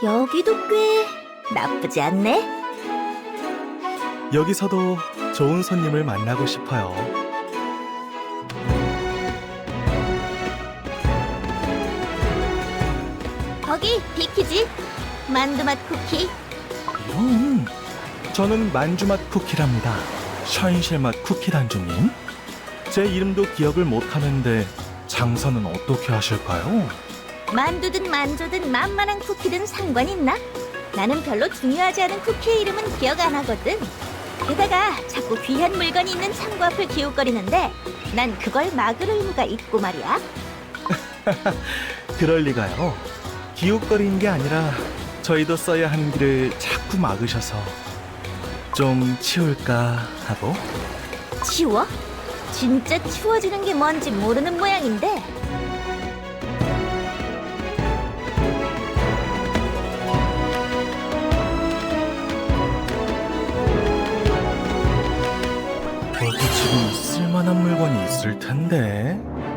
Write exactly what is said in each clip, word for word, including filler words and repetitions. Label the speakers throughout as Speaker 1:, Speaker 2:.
Speaker 1: 여기도 꽤 나쁘지 않네.
Speaker 2: 여기서도 좋은 손님을 만나고 싶어요.
Speaker 1: 거기 비키지? 만두맛 쿠키.
Speaker 2: 음, 저는 만주맛 쿠키랍니다. 샤인실맛 쿠키 단주님. 제 이름도 기억을 못하는데 장사는 어떻게 하실까요?
Speaker 1: 만두든 만조든 만만한 쿠키든 상관 있나? 나는 별로 중요하지 않은 쿠키의 이름은 기억 안 하거든. 게다가 자꾸 귀한 물건이 있는 창고 앞을 기웃거리는데 난 그걸 막을 의무가 있고 말이야.
Speaker 2: 그럴 리가요. 기웃거리는 게 아니라 저희도 써야 하는 길을 자꾸 막으셔서 좀 치울까 하고.
Speaker 1: 치워? 진짜 치워지는 게 뭔지 모르는 모양인데.
Speaker 2: 여기 지금 쓸만한 물건이 있을 텐데.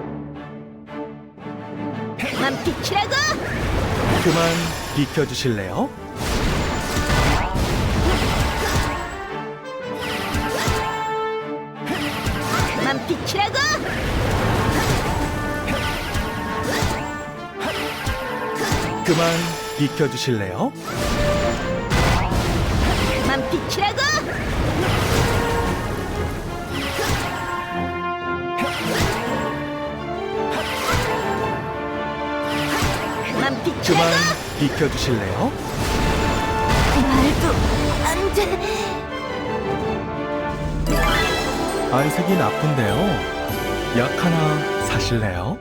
Speaker 1: 그만 비키라고!
Speaker 2: 그만 비켜주실래요?
Speaker 1: 그만 비키라고!
Speaker 2: 그만 비켜주실래요?
Speaker 1: 그만 비키라고! 그만 비키라고!
Speaker 2: 그만 비켜주실래요?
Speaker 1: 말도 안 돼.
Speaker 2: 안색이 나쁜데요. 약 하나 사실래요?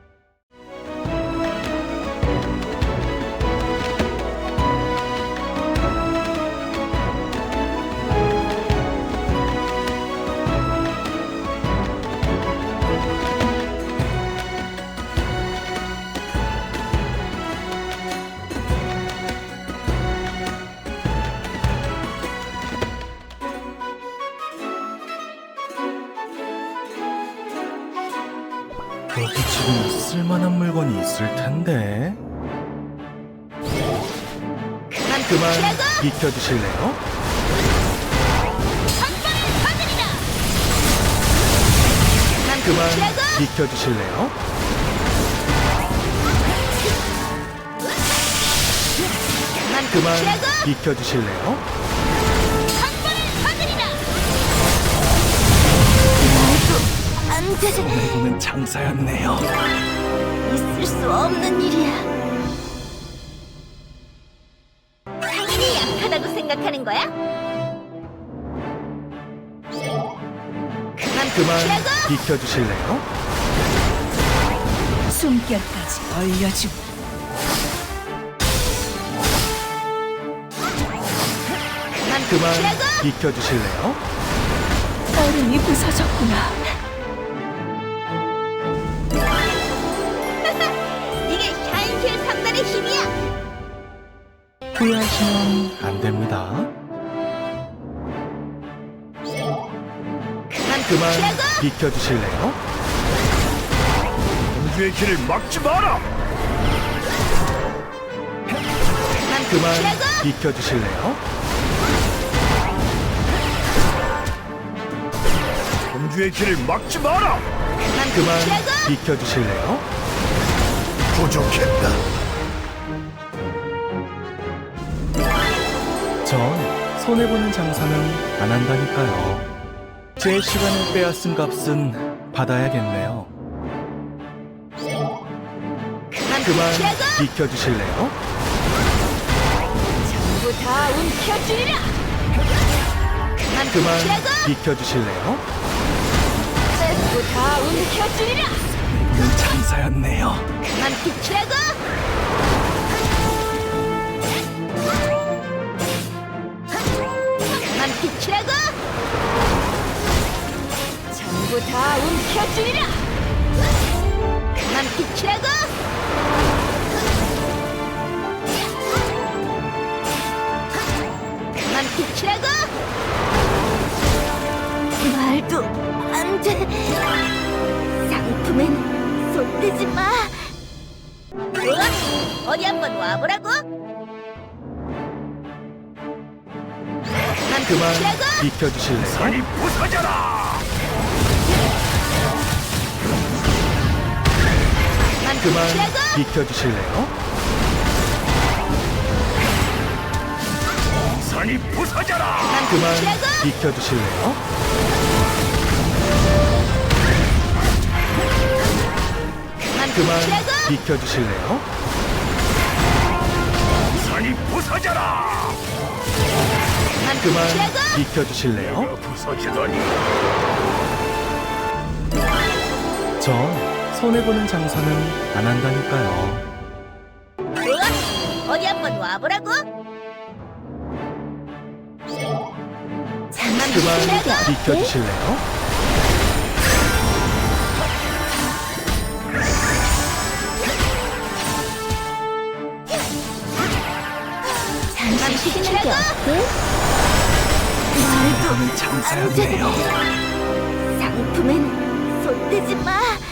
Speaker 2: 여기 지금 쓸만한 물건이 있을 텐데.
Speaker 1: 그만
Speaker 2: 그만
Speaker 1: 비키라고!
Speaker 2: 비켜주실래요?
Speaker 1: 한번을 받으리라! 그만
Speaker 2: 그만
Speaker 1: 비키라고!
Speaker 2: 비켜주실래요?
Speaker 1: 그만
Speaker 2: 그만
Speaker 1: 비키라고!
Speaker 2: 비켜주실래요?
Speaker 1: 한번을 받으리라! 말도 안 돼.
Speaker 2: 이거는 장사였네요.
Speaker 1: 있을 수 없는 일이야. 상인이 약하다고 생각하는 거야? 그만
Speaker 2: 그만
Speaker 1: 비키라고!
Speaker 2: 비켜주실래요?
Speaker 3: 숨결까지 얼려주고
Speaker 1: 그만
Speaker 2: 그만
Speaker 1: 비키라고!
Speaker 2: 비켜주실래요?
Speaker 3: 얼음이 부서졌구나.
Speaker 1: 이게 샤인실 삼 단의 힘이야.
Speaker 2: 후회하시면 안 됩니다.
Speaker 1: 그만
Speaker 2: 그만
Speaker 1: 비키라고!
Speaker 2: 비켜주실래요?
Speaker 4: 공주의 길을 막지 마라!
Speaker 1: 그만
Speaker 2: 그만
Speaker 1: 비키라고!
Speaker 2: 비켜주실래요?
Speaker 4: 공주의 길을 막지 마라!
Speaker 1: 그만
Speaker 2: 그만
Speaker 1: 비키라고!
Speaker 2: 비켜주실래요?
Speaker 4: 부족했다.
Speaker 2: 전 손해보는 장사는 안 한다니까요. 제 시간을 빼앗은 값은 받아야겠네요.
Speaker 1: 그만
Speaker 2: 그만
Speaker 1: 비키라고!
Speaker 2: 비켜주실래요?
Speaker 1: 전부 다 움켜쥐리라! 그만
Speaker 2: 그만
Speaker 1: 비키라고!
Speaker 2: 비켜주실래요?
Speaker 1: 전부 다 움켜쥐리라!
Speaker 2: 이건 장사였네요.
Speaker 1: 그만 비키라고! 그만 비키라고! 전부 다 움켜쥐리라! 그만 비키라고! 그만 비키라고! 말도 안 돼. 상품엔 손대지 마. 좋아, 어디 한번 와보라고.
Speaker 2: 그만
Speaker 1: 멈추라고!
Speaker 2: 비켜주실래요?
Speaker 4: 산이 부서져라.
Speaker 2: 그만
Speaker 1: 멈추라고!
Speaker 2: 비켜주실래요?
Speaker 4: 산이 부서져라.
Speaker 2: 그만
Speaker 1: 멈추라고!
Speaker 2: 비켜주실래요? 그만
Speaker 1: 멈추라고!
Speaker 2: 비켜주실래요?
Speaker 4: 산이 부서져라.
Speaker 2: 그만
Speaker 1: 멈추라고!
Speaker 2: 비켜주실래요?
Speaker 4: 내가 부서지다니.
Speaker 2: 전 손해보는 장사는 안 한다니까요.
Speaker 1: 좋아, 어디 한번 와보라고. 잠만
Speaker 2: 그만
Speaker 1: 멈추라고!
Speaker 2: 비켜주실래요?
Speaker 1: 잠만 쉬는 게 어때?
Speaker 2: 손해보는 장사였네요.
Speaker 1: 상품엔 손대지 마.